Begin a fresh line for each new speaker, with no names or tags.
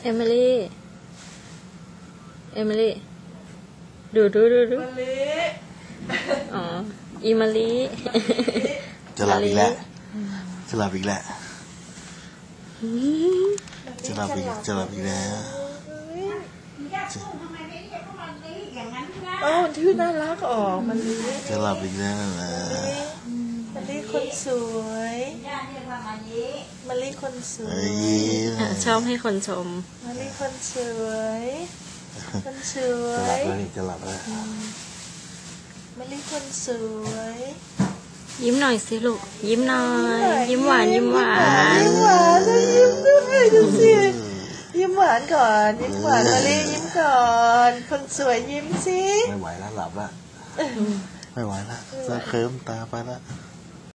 เอมิลี่ดู
มะลิ
อ๋ออีมาลี
จะหลับอีกแล้วจะหลับอีกแล้วจะหลับอีกแล้ว
โอ้ที่น่ารักออกมะลิ
จะหลับอีกแล้วนะ
มะลิคนสวยมะลิคนสวย
ชอบให้คนชม
มะลิคนสวยคนสว
จะหลับ
ย
แล้วนี่จะหลับแล้ว
มะลิคนสวย
ยิ้มหน่อยสิลูกยิ้มหน่อยยิ้มหวาน
ยิ้มหวานแล้วยิ้มด้วยดูสิยิ้มหวานก่อนยิ้มหวานมะลิยิ้มก่อนคนสวยยิ้มสิ
ไม่ไหวแล้วหลับแล้วไม่ไหวแล้วจะเคลิ้มตาไปแล้ว